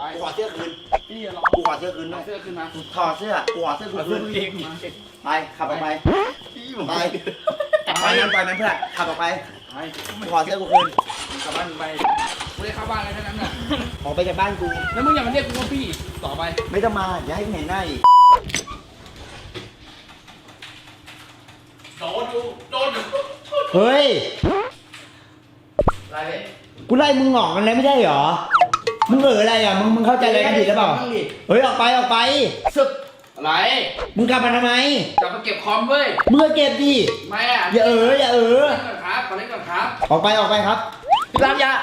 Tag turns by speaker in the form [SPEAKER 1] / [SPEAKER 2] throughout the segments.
[SPEAKER 1] กูขอเสื้อคืน
[SPEAKER 2] พี่รอ
[SPEAKER 1] กูขอเสื้อคืน
[SPEAKER 2] เอา
[SPEAKER 1] ด้วย
[SPEAKER 2] เสื้อขึ้นมา
[SPEAKER 1] ถอดเสื้อกูขอเสื้อกูคืนไปขับออกไปไปไปนั้นเพื่อนขับออกไป
[SPEAKER 2] ไป
[SPEAKER 1] กูขอเสื้อกูคืน
[SPEAKER 2] กลับบ้านไปกูได้เข้าบ้านอะไรแค่นั้นน่ะ
[SPEAKER 1] ออกไปจากบ้านกู
[SPEAKER 2] แล้วมึงอย่ามาเรียกกูว่าพี่ต่อไป
[SPEAKER 1] ไม่ต้องมาอย่าให้เห็นหน้าอีก
[SPEAKER 2] โดนอยู่โดนอยู่
[SPEAKER 1] เฮ้ย
[SPEAKER 2] อะไรเนี่ย
[SPEAKER 1] กูไล่มึงออกกันแล้วไม่ใช่เหรอมึงอะไรอ่ะมึงเข้าใจอะไรกันผิดหรือเปล่าเฮ้ยออกไปสึก
[SPEAKER 2] อะไร
[SPEAKER 1] มึงกลับมาทำไม
[SPEAKER 2] กลับมาเก็บคอมเว้ย
[SPEAKER 1] มึงก็เก็บดิ
[SPEAKER 2] ไม่อ่ะ
[SPEAKER 1] อย่า
[SPEAKER 2] เล่นก่อนครับขอเล่นก่อนครับ
[SPEAKER 1] ออกไปครับพี่รักยา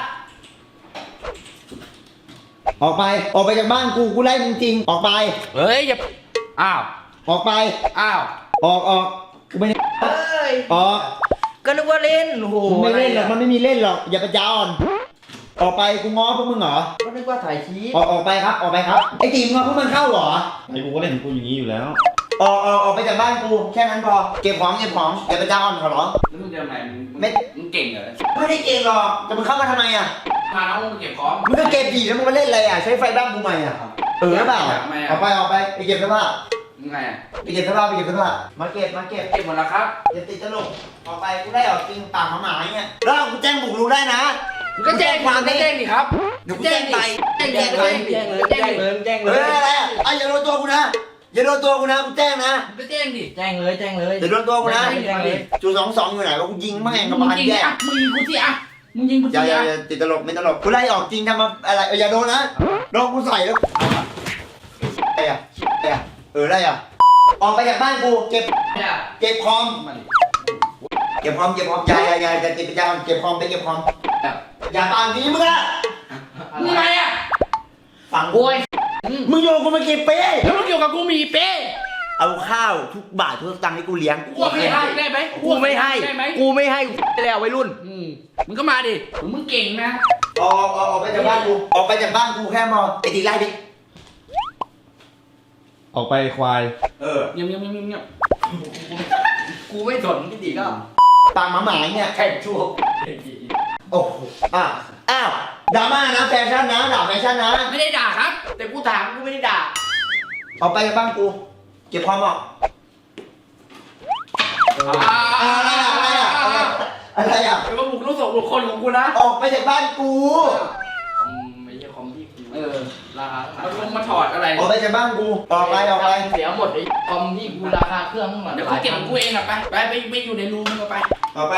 [SPEAKER 1] ออกไปจากบ้านกูไล่มึงจริงออกไป
[SPEAKER 2] เฮ้ยอย่าอ้าว
[SPEAKER 1] ออกไป
[SPEAKER 2] อ้าว
[SPEAKER 1] ออกกูไม่ได้
[SPEAKER 3] เฮ้ย
[SPEAKER 1] ออก
[SPEAKER 3] ก็นึกว่าเล่นโอ้โห
[SPEAKER 1] มึงไม่เล่นหรอกมันไม่มีเล่นหรอกอย่าไปจ้าอ่อนออกไปกูง้อพวกมึงเหรอ
[SPEAKER 3] ก็นึกว่าถ่ายคลิป
[SPEAKER 1] ออกไปครับไอ้ตีมึงเอาพวกมันเข้าเหรอ
[SPEAKER 4] ไอ้กูก็เล่นของกูอย่างนี้อยู่แล้ว
[SPEAKER 1] ออกไปจากบ้านกูแค่นั้นพอเก็บของอย่าไปจ้าอ่อนขอร้อง
[SPEAKER 2] แล้วมึงจะทำไงมึง
[SPEAKER 1] ไม่
[SPEAKER 2] มึงเก่งเหรอ
[SPEAKER 1] ไม่ได้เก่งหรอกแต่มึงเข้ามาทำไมอ่ะ
[SPEAKER 2] พาน้องมึงเก็บของ
[SPEAKER 1] มึงก็เก็บดีแล้วมึงมาเล่นอะไรอ่ะใช้ไฟบ้านกูใหม่อ่ะเปล่าออกไปไปเก็บเสื้อผ้า
[SPEAKER 2] มึงไงอ่ะ
[SPEAKER 1] ไปเก็บเสื้อผ้ามาเก็บ
[SPEAKER 2] เก็บหมดแล้วครับ
[SPEAKER 1] อย่าติดตลกออกไปกูได้ออกจริงปากหมาๆเงี้ยแล้วกูแจ้งบุกรุกได้นะ
[SPEAKER 2] มึงก็แจ้งความก็แจ้งดิครับ
[SPEAKER 1] เดี๋ยวกูแจ้งไป
[SPEAKER 2] แจ้ง
[SPEAKER 1] แจ้ง
[SPEAKER 2] เล
[SPEAKER 1] ไป
[SPEAKER 2] ย
[SPEAKER 3] แจ้งเลยแจ้งเลยแจ้งเล
[SPEAKER 1] เฮ้
[SPEAKER 3] ย
[SPEAKER 1] ยอะไรอ่ะอย่าโดนตัวกูนะอย่าโดนตัวกูนะกูแจ้งนะ
[SPEAKER 2] มึงก็แจ้งดิ
[SPEAKER 3] แจ้งเลยแจ้งเลย
[SPEAKER 1] อย่าโดนตัวกูนะ
[SPEAKER 3] แจ้งเลย
[SPEAKER 1] จู22อยู่ไหนวะกูยิงแม่งกระ
[SPEAKER 2] มึง
[SPEAKER 1] บาล
[SPEAKER 2] ยิง
[SPEAKER 1] แยก
[SPEAKER 2] อ่ะมึงยิงกูสิอ่ะมึงยิงกู
[SPEAKER 1] อ
[SPEAKER 2] สิ
[SPEAKER 1] ย่า
[SPEAKER 2] อ่ะ
[SPEAKER 1] ติดตลกไม่ตลกกูไล่ออกจริงทำมาอะไรอย่าโดนนะโดนกูใส่แล้วอะไรอ่ะอะไรอ่ะออกไปจากบ้านกูเก็บคอม
[SPEAKER 2] มาดิ
[SPEAKER 1] อย่าจะเก็บคอมไปเก็บคอมอย่าปากนี้มึงอะ
[SPEAKER 2] มึงไงอ่ะ
[SPEAKER 1] ฝั่งกู
[SPEAKER 2] โวย
[SPEAKER 1] มึงโยนกูมากี่ปี
[SPEAKER 2] แล้วมึงเกี่ยวกับกูมีเป้
[SPEAKER 1] เอาข้าวทุกบาททุกสตางค์ให้กูเลี้ยง
[SPEAKER 2] กูไม่ให้ได้ไหม
[SPEAKER 3] กูไม่ให้
[SPEAKER 2] ได้ไหม
[SPEAKER 3] กูไม่ให้แล้ววัยรุ่น
[SPEAKER 2] มึงก็มาดิมึงเก่งนะ
[SPEAKER 1] ออกไปจากบ้านกูออกไปจากบ้านกูแค่มอไอ้ตีไล่ดิ
[SPEAKER 4] ออกไปควาย
[SPEAKER 2] เงียบ
[SPEAKER 3] กูไม่สนพี่ตีก็
[SPEAKER 1] ปากหมาๆเนี่ย
[SPEAKER 3] แข่งชั่ว
[SPEAKER 1] โอ้โหอ้าวดราม่านะแฟชั่นนะด่าแฟชั่นนะ
[SPEAKER 2] ไม่ได้ด่าครับ
[SPEAKER 3] แต่กูถามกูไม่ได้ด่า
[SPEAKER 1] ออกไปจากบ้านกูเก็บคอมออกอะไรอ่ะ
[SPEAKER 2] เป็นว่าบุกลุกส่งบุคคลของกูนะ
[SPEAKER 1] ออกไปจากบ้านกู
[SPEAKER 3] ไม่ใช่คอมที่กู
[SPEAKER 2] ราคามาถอดอะไร
[SPEAKER 1] ออกไปจากบ้านกูออกไป
[SPEAKER 3] เสียหมดไอ้คอมที่กูราคาเครื่องมัน
[SPEAKER 2] เดี๋ยวกูเก็บของกูเองอ่ะไปอยู่ในรูมึงก็ไป
[SPEAKER 1] ออกไป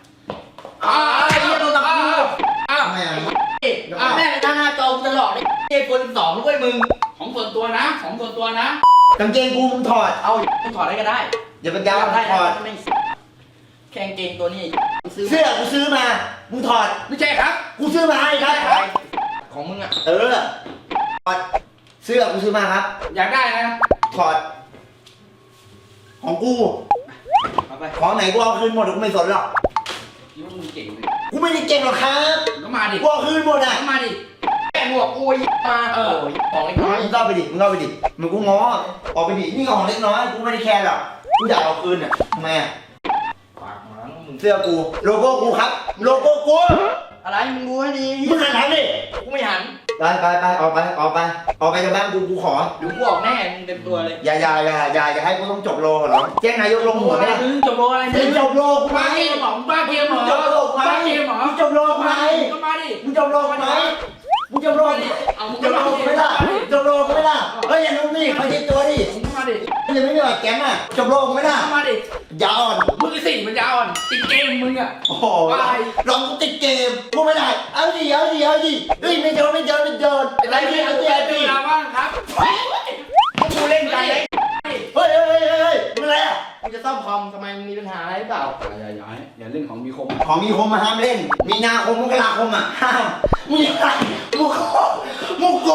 [SPEAKER 3] โดนตะกู
[SPEAKER 1] ทำไมอ่ะ
[SPEAKER 3] แม่งหน้าจอกูตลอดไอ้คน2ด้วยมึง
[SPEAKER 2] ของส่วนตัวนะ
[SPEAKER 1] กางเกงกูมึงถอด
[SPEAKER 3] เอามึงถอดได้ก็ได้
[SPEAKER 1] อย่าไปยาว
[SPEAKER 3] ได้
[SPEAKER 1] ถอด
[SPEAKER 3] แข่งเกงตัวนี้ซื้อ
[SPEAKER 1] เสื้อกูซื้อมามึงถอด
[SPEAKER 2] ไม่ใช่ครับ
[SPEAKER 1] กูซื้อมาให้ครับ
[SPEAKER 3] ของมึงอ่ะ
[SPEAKER 1] ถอดเสื้อกูซื้อมาครับ
[SPEAKER 2] อยากได้นะ
[SPEAKER 1] ถอด ของกู
[SPEAKER 2] เอาไป
[SPEAKER 1] ของไหนกูเอาคืนหมดกูไม่สนหรอก
[SPEAKER 2] คิดว่ามึงเก่งเลย
[SPEAKER 1] กูไม่ได้เก่งหรอกครับ
[SPEAKER 2] ก็มาดิ
[SPEAKER 1] กูเอาคืนหมดอ่ะ
[SPEAKER 2] ก็มาดิ
[SPEAKER 3] แกหมวกกูมาของไอ้น้อย
[SPEAKER 1] มึงเข้าไปดิมึงกูง้อออกไปดินี่ของเล็กน้อยกูไม่ได้แคร์หรอกกูอยากเอาคืนอ่ะทำไมอ่ะ
[SPEAKER 3] ปากหมามึง
[SPEAKER 1] เสื้อกูโลโก้กูครับโลโก้กู
[SPEAKER 3] อะไรมึงรู้ให้ดี
[SPEAKER 1] มึงหันหลังดิ
[SPEAKER 3] กูไม่หัน
[SPEAKER 1] ไปออกไปจากบ้านกูขอ
[SPEAKER 3] เดี๋ยวกูออกแน่มึงเต็มตัวเลย
[SPEAKER 1] อย่าให้กูต้องจบโลเหรอแจ้งนายกลงหัวไม่ได้
[SPEAKER 3] จบโลอะไร
[SPEAKER 1] มึงจบโลกูไหม
[SPEAKER 2] บ้าเกมหมอ
[SPEAKER 1] มึงจบโลกูไหม
[SPEAKER 2] บ้าเกมหมอ
[SPEAKER 1] มึงจบโลกูไหม
[SPEAKER 2] ก็มาดิ
[SPEAKER 1] มึงจบโลกูไหมมึงจบโลกู
[SPEAKER 2] เอามึง
[SPEAKER 1] จบโลกูไม่ล่ะจบโลกูไม่ล่ะเฮ้ยอย่านุ่มนี่เขาเช็ดตัวดิ
[SPEAKER 2] มึงมาดิ
[SPEAKER 1] ยังไม่มีแบบแก๊งอ่ะจบโลกูไม่ล่ะ
[SPEAKER 2] มาดิ
[SPEAKER 1] ยาวอ่อน
[SPEAKER 2] มึงสิมันยาวอ่อนติดเกมมึงอ่ะ
[SPEAKER 1] โอ้โหลองกูติดเกมกูไม่ได้เอาดิเฮ้ยไม่โดนอะไรพี่เอาดิ
[SPEAKER 2] เวลาว่างครับ
[SPEAKER 3] กูเล่นกันเลย
[SPEAKER 1] เฮ้ยมึงอะไรอ่ะ
[SPEAKER 3] กูจะซ่อมคอมทำไมมึงมีปัญหาอะไรหรือเปล่า
[SPEAKER 2] อย่าเล่นของมีคม
[SPEAKER 1] ของมีคมมาห้ามเล่น มีนาคมมกราคมอ่ะห้ามมึงอะไรมึงโก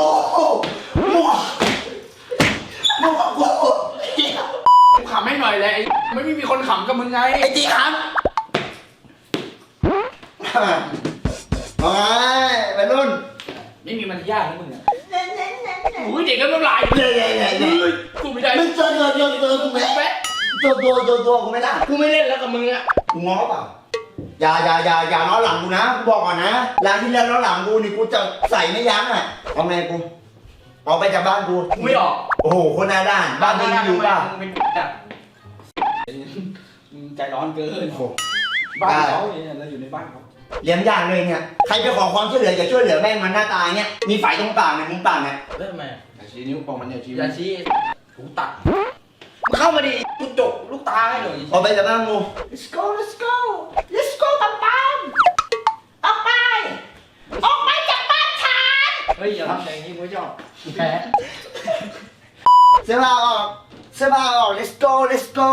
[SPEAKER 2] กูขำให้หน่อยเลยไม่มีคนขำกับมึงไง
[SPEAKER 1] ไอ้จีครับมาไปรุ่น
[SPEAKER 2] ไม่มีมันยากนะมึงอ่ะอุ้ยเด็กก็น้ำลาย
[SPEAKER 1] เย้
[SPEAKER 2] กูไม่ได้
[SPEAKER 1] มึงเจอกูไหม
[SPEAKER 2] แป๊ะ
[SPEAKER 1] ตัวกูไม่ได้
[SPEAKER 3] กูไม่เล่นแล้วกับมึงอ่ะ
[SPEAKER 1] กูง้อเปล่าอย่าล้อหลังกูนะกูบอกก่อนนะร้านที่แล้วล้อหลังกูนี่กูจะใส่ไม่ยั้งอ่ะเอาไงกูออกไปจากบ้านกู
[SPEAKER 3] กูไม่ออก
[SPEAKER 1] โอ้โหคนหน้าด้านบ้านมึงอยู่ป่ะ
[SPEAKER 2] มึงเป็นแบบมึงใจร้อนเกิน
[SPEAKER 1] โอ้โห
[SPEAKER 2] บ้านเขาเนี่ยเราอยู่ในบ้านเขา
[SPEAKER 1] เลี้ยงยากเลยเนี่ยใครไปขอความช่วยเหลือจะช่วยเหลือแม่งมันหน้าตาเนี่ยมีไฟตรงปากเนี่ยมุมปากเนี่ย
[SPEAKER 3] เริ่มไหม
[SPEAKER 2] อย่าชี้นิ้วปองมันอย่าชี้
[SPEAKER 3] อย่าชี้
[SPEAKER 2] หูตัด
[SPEAKER 3] มึงเข้ามาดิกูจกลูกตาให้หน่อย
[SPEAKER 1] ออกไปจากบ้านกู
[SPEAKER 3] let's go let's go let's go ตามตามออกไปออกไปจากบ้านฉัน
[SPEAKER 2] เฮ้ยอย่าทำอย่างนี้กูไม่ชอบแพ้
[SPEAKER 1] เสื้อผ้าออกเสื้อผ้าออก let's go let's go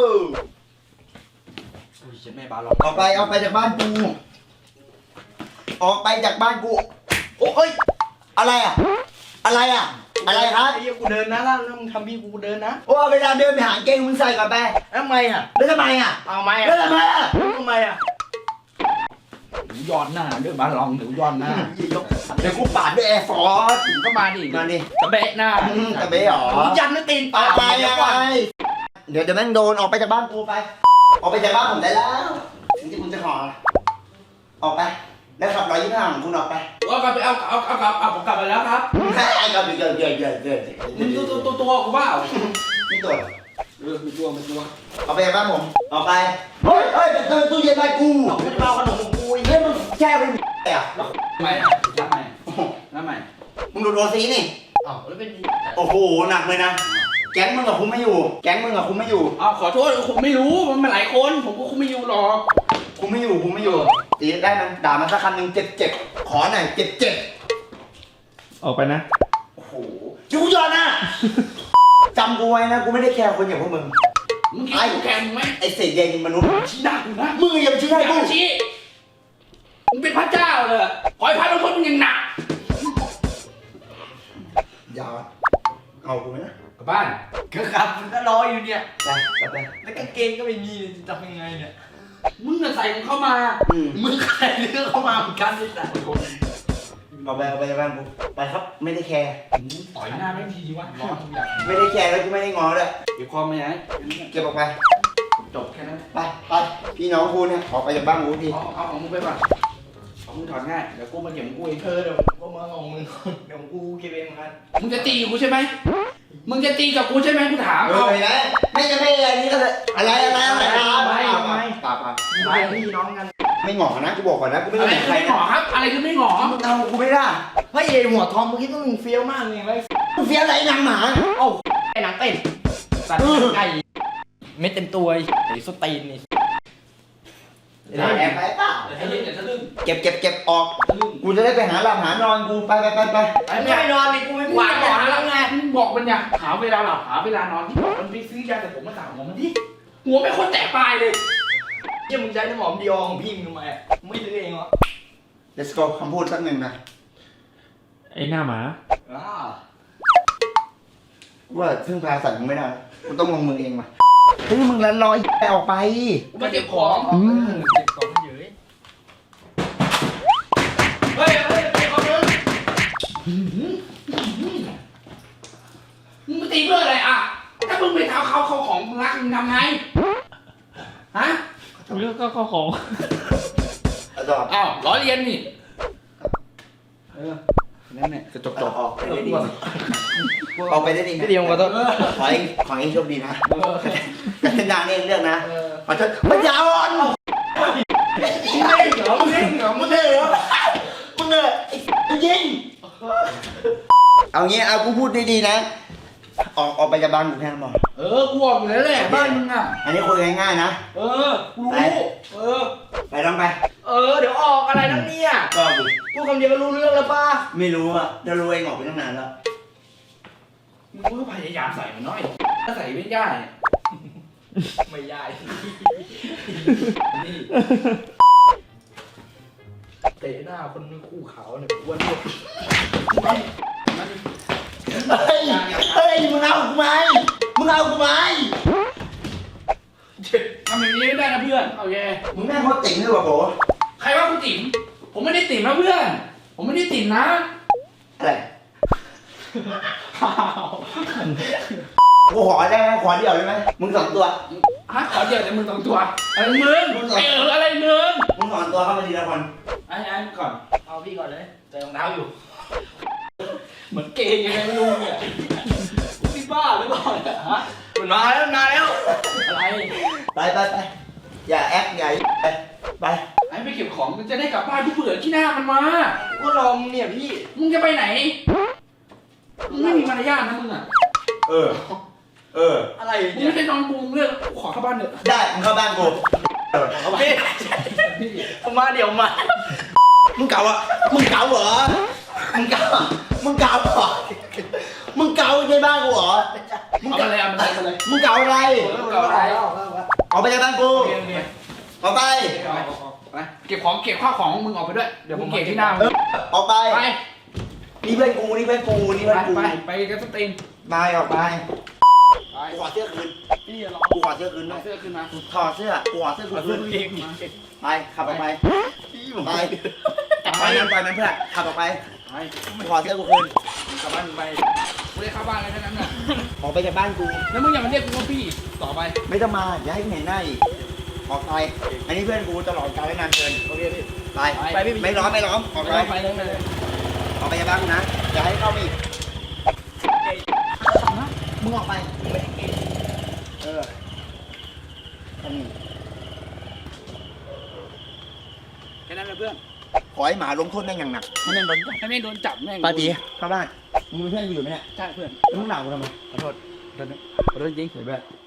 [SPEAKER 2] อุ้ยเจ็บแม่บาลอง
[SPEAKER 1] ออกไปจากบ้านกูออกไปจากบ้านกูโอ้ยอะไรอ่ะอะไรอ่ะอะไรครับ
[SPEAKER 2] ไอ้เหี้ยกูเดินนะแล้วมึงทำพี่กูเดินนะ
[SPEAKER 1] โอ้เวลาเดินไปหาเกงมึงใส่ก่อนไป
[SPEAKER 3] ทำไมอ่ะ
[SPEAKER 1] แล้วทำไมอ่ะ
[SPEAKER 3] เอาไหม
[SPEAKER 1] แล้ว
[SPEAKER 3] อ่ะ
[SPEAKER 1] ทำไมอ่ะ
[SPEAKER 3] ทำไมอ่ะ
[SPEAKER 2] หนูย้อนหน้าเดินบาลองหนูย้อนหน้า
[SPEAKER 1] เดี๋ยวกูปาดด้วยแอร์ฟอร์ส
[SPEAKER 2] ก็มาดิ
[SPEAKER 1] มาดิ
[SPEAKER 2] กระเบะหน้า
[SPEAKER 1] ตะเบ้หรอ
[SPEAKER 3] มึงยันไม่ตีน
[SPEAKER 1] เอา
[SPEAKER 3] ปาก
[SPEAKER 1] ไป
[SPEAKER 3] เดี๋ยว
[SPEAKER 1] เอา
[SPEAKER 3] ก่
[SPEAKER 1] ไป
[SPEAKER 3] อน
[SPEAKER 1] เดี๋ยวแม่งโดนออกไปจากบ้านกูไป ออกไปจากบ้านผมได้แล้วถึงที่คุณจะขอออกไปแล้วขับ125ของคุณออกไป
[SPEAKER 2] เอากลับไปเอาผมกลับไปแล้วครับ
[SPEAKER 1] ไอ้กับเกิด
[SPEAKER 2] มึงตัวกูเปล่า
[SPEAKER 1] นี่ตัว
[SPEAKER 2] ไม่ตัวไม่ตัว
[SPEAKER 1] ออกไปจากบ้านผมออกไปเฮ้ยเดินตู้เย็นไปกู
[SPEAKER 3] กูจะมาเอาขนมของกูอีก
[SPEAKER 1] เฮ้ยมึงแช่ไปอ่ะ
[SPEAKER 2] ทำไมอ่ะทำไมทำไม
[SPEAKER 1] มึงดูโรซีนี่
[SPEAKER 3] อ้าวแล้วเป็น
[SPEAKER 1] โอ้โหหนักเลยนะแก๊งมึงกับคุมไม่อยู่แก๊งมึงกับคุมไม่อยู่
[SPEAKER 2] เอาขอโทษผมไม่รู้มันหลายคนผมก็คุมไม่อยู่หรอก
[SPEAKER 1] คุมไม่อยู่ตีได้มันด่ามันสักคำหนึ่งเจ็บขอหน่อยเจ็บ
[SPEAKER 4] ออกไปนะ
[SPEAKER 1] โอ้โหยูยอนนะจำกูไว้นะกูไม่ได้แคร์คนอย่างพวกมึง
[SPEAKER 2] มึงคิดกูแข่งมึงไหม
[SPEAKER 1] ไอ้เศษใยมนุษย์
[SPEAKER 2] ชี้หน้ากูนะ
[SPEAKER 1] มึงอย่ามาชี้
[SPEAKER 2] อ
[SPEAKER 1] ให้
[SPEAKER 2] ย่า
[SPEAKER 1] กู
[SPEAKER 2] มาชี้มึงเป็นพระเจ้าเลยขอให้พระลงโทษมึงอย่างหนัก
[SPEAKER 1] อย่าเอากูไหมนะ
[SPEAKER 2] กลับบ้าน
[SPEAKER 3] ก็ครับมันก็รออยู่เนี่ย
[SPEAKER 1] ไปกลับไป
[SPEAKER 3] แล้วกางเกงก็ไม่มีจะทำยังไงเนี่ย
[SPEAKER 2] มึงจะใส่มึงเข้ามา
[SPEAKER 3] มึงใครเลือกเข้ามาเหมือนกันนี่แหละ
[SPEAKER 1] เอาไปบ้านกูไปครับไม่ได้แคร์
[SPEAKER 2] ต่อยหน้าไม่ทีวะร้อนทุกอย่าง
[SPEAKER 1] ไม่ได้แคร์แล้วกูไม่ได้งอเลย
[SPEAKER 2] เก็บความไม่ไหน
[SPEAKER 1] เก็บออกไป
[SPEAKER 2] จบแค่นั้น
[SPEAKER 1] ไปพี่น้องกูเนี่ยออกไปจากบ้านกูที
[SPEAKER 2] เอาของมึงไปก่อนของมึงถอดง่ายเดี๋ยวกูมาเก็บของกูเอง
[SPEAKER 3] เดี๋ยวก็มาของมึงเดี๋ยวกูเก็บเองเหมือนกัน
[SPEAKER 2] มึงจะตีกูใช่ไหมมึงจะตีกับกูใช่ไหมกูถาม
[SPEAKER 1] เออนะไม่จะไม่อะไรนี่ก็เลยอะไรป่า
[SPEAKER 3] พี่น้องกัน
[SPEAKER 1] ไม่หงอนะกูบอกก่อนนะกูไม่
[SPEAKER 2] อะไร
[SPEAKER 1] ได้
[SPEAKER 2] คือ
[SPEAKER 1] ใคร
[SPEAKER 2] ไม่หงอครับ อะไรคือไม่หงอ
[SPEAKER 1] มึงเอากูไม่ได้
[SPEAKER 3] เฮ้ยไอ้หัวทองเมื่อกี้ต้องมึงเฟี้ยวมากเลยไว้
[SPEAKER 1] มึงเฟี้ยวอะไรนางหมา
[SPEAKER 3] เอ้าไอ้หนังเป็ดสัตว์ไก่เม็ดเต็มตัวไอ้สตีนนี่
[SPEAKER 1] แอบไปเปล่า
[SPEAKER 2] ไอ้เหี้ยเดี๋ยวทะลึ่ง
[SPEAKER 1] เก็บออก
[SPEAKER 2] ทะลึ่ง
[SPEAKER 1] กูจะได้ไปหาหลับหานอนกูไป
[SPEAKER 3] ไอ้ไม่นอนนี่กูไม่
[SPEAKER 2] มึง
[SPEAKER 3] กวาด
[SPEAKER 2] บอก
[SPEAKER 3] หา
[SPEAKER 2] แล้
[SPEAKER 3] แล้ว ว
[SPEAKER 2] ไง
[SPEAKER 3] ไง
[SPEAKER 2] มึงบอกมันเนี่ยหาเวลาหลับหาเวลานอนที่บอกมันไปซื้อยาแต่ผมมาสั่งหัวมันดิหัวไม่คนแตกปลายเลย
[SPEAKER 3] เจ้ามึงใช้น้ำหอมดีออของพี่มึงทำไมไม่ซื้อเองเหรอ
[SPEAKER 1] let's go คำพูดสักหนึ่งนะ
[SPEAKER 4] ไอ้หน้าหมา
[SPEAKER 1] ว่าพึ่งพาสัตว์มึงไม่ได้กูต้องลงมือเองว่ะเฮ้ยมึงละลอยไปออกไป
[SPEAKER 2] กูมาเก็บของ
[SPEAKER 3] เก็บของเยอะ
[SPEAKER 2] เฮ้ยเก็บของเลยมึงมาตีเพื่ออะไรอ่ะถ้ามึงไปทำเขาของมึงรักมึงทำไงฮะ
[SPEAKER 4] ก็ของ
[SPEAKER 1] จบ
[SPEAKER 2] อ้าวล้อเลียนนี่นั่นแหละจะจบ
[SPEAKER 1] ออกไปได้ดีออกไปได้ดี
[SPEAKER 3] พี่เดียวขอโทษ
[SPEAKER 1] ขอให้โชคดีนะกันเนเรื่องนะขอโทษมันยาวอ่อนมึงเล่นเหรอมึงยิงเอางี้เอากูพูดดีๆนะออกไปจากบ้านกูแค่นั้นพอ
[SPEAKER 2] กูบอกอยู่แล้วแหละบ้านมึงอ่ะ
[SPEAKER 1] อันนี้คุยง่ายๆนะ
[SPEAKER 2] กูรู้
[SPEAKER 1] ไปลองไป
[SPEAKER 3] เดี๋ยวออกอะไรนั่นเนี่ย
[SPEAKER 1] ก็ดิ
[SPEAKER 3] พูดคำเดียวก็รู้เรื่องแล้วป่ะ
[SPEAKER 1] ไม่รู้อ่ะจะรู้เองออกไปตั้งนานแล้ว
[SPEAKER 2] มึงก็พยายามใส่มันน้อยถ้าใส่ไม่ได้
[SPEAKER 3] ไม่ได้นี่เตะหน้าคนคู่เขาเนี่ยอ้วนด้วย
[SPEAKER 1] เฮ้ยมึงเอากูไหมมึงเอากูไหม
[SPEAKER 2] ทำอย่างนี้ไม่ได้นะเพื่อนโอเค
[SPEAKER 1] มึงแม่งโคตรติ๋งเลยว่ะโบ
[SPEAKER 2] ใครว่ากูติ๋มผมไม่ได้ติ๋มนะเพื่อน ผมไม่ได้ติ๋มนะ
[SPEAKER 1] อะไรกูขอได้ไหมขอเดียวได้ไหมมึง2 ตัว
[SPEAKER 2] ฮะขอเดียวแต่มึง2 ตัวอะไรมึงไอ้อะไรมึง
[SPEAKER 1] มึง2 ตัวเข้ามาทีละคน
[SPEAKER 2] ไอ้ก่อน
[SPEAKER 3] เอาพี่ก่อนเลยใส่รองเท้าอยู่
[SPEAKER 2] เหมือนเกย์ยังไงไม่รู้เนี่ยพี่บ้าหรือเปล่าเนี่ยฮะ
[SPEAKER 1] มันมาแล้วอะไร ไปอย่าแอคอย่าไป
[SPEAKER 2] ไอ้ไม่เก็บของมันจะได้กลับบ้านที่เบื่อขี้หน้ามันมา
[SPEAKER 1] ก็รอมึงเนี่ยพี่
[SPEAKER 2] มึงจะไปไหนมึงไม่มีมารยาทนะมึงอ่ะ
[SPEAKER 1] เอออะไร
[SPEAKER 2] มึงไม่ได้นอนกูเรื่องขอเข้าบ้านเถอะ
[SPEAKER 1] ได้มึงเข้าบ้านกูพี่ผมมาเดี๋ยวมามึงเก่าเหรอมึงเก่าเหรอในบ้านกูเหรอ
[SPEAKER 2] เอามาเลยเอามาเลย
[SPEAKER 1] มึงเก่าอะไร
[SPEAKER 2] เอาอะไร
[SPEAKER 1] ออกไปจากบ้านกูออกไป
[SPEAKER 2] ไปเก็บของเก็บข้าวของมึงออกไปด้วยเดี๋ยวผมเก็บที่หน้ามึง
[SPEAKER 1] ออกไป
[SPEAKER 2] ไป
[SPEAKER 1] นี่เพื่อนกูนี่เพื่อนกูนี่เพื่อนกู
[SPEAKER 2] ไปกันสตรีม
[SPEAKER 1] ไปออกไป
[SPEAKER 2] ไป
[SPEAKER 1] กูขอเสื้อคืน
[SPEAKER 2] พี่รอ
[SPEAKER 1] กูขอเสื้อคืนด้วย
[SPEAKER 2] เสื้อขึ้นมา
[SPEAKER 1] ถอดเสื้อกูขอเสื้อคืนไปขับออกไปไปไปนั้นเพื่อนขับออกไป
[SPEAKER 2] ไป
[SPEAKER 1] กูขอเสื้อกูคืน
[SPEAKER 2] กลับบ้านมึงไปกูได้เข้าบ้านแล้วแค่นั้นน่ะ
[SPEAKER 1] ออกไปจากบ้านกู
[SPEAKER 2] แล้วมึงอย่ามาเรียกกูว่าพี่ต่อไป
[SPEAKER 1] ไม่ต้องมาอย่าให้เห็นหน้าอีกออกไปอันนี้เพื่อนกูตลอดกาลและนานเกิน
[SPEAKER 2] โอเคพี่
[SPEAKER 1] ไปไม่ล้อมออกไป
[SPEAKER 2] ไปเลย
[SPEAKER 1] ออกไปจากบ้านกูนะอย่าให้เข้ามาอีกมึงออกไป
[SPEAKER 2] แค่นั้นเลยเพื่อน
[SPEAKER 1] ขอให้หมาลงโทษแม่งอย่างหนัก
[SPEAKER 2] ให้แม่งโดนจับให้แม่งโดนจับแม่ง
[SPEAKER 1] ปาตีเข้าบ้านมึงเป็นเพื่อนกูอยู่ไหมเนี่ย
[SPEAKER 2] ใช่เพื่อน
[SPEAKER 1] แล้วมึงด่ากูทำไม
[SPEAKER 2] ขอโทษจริง
[SPEAKER 1] เดี๋ยวแบบ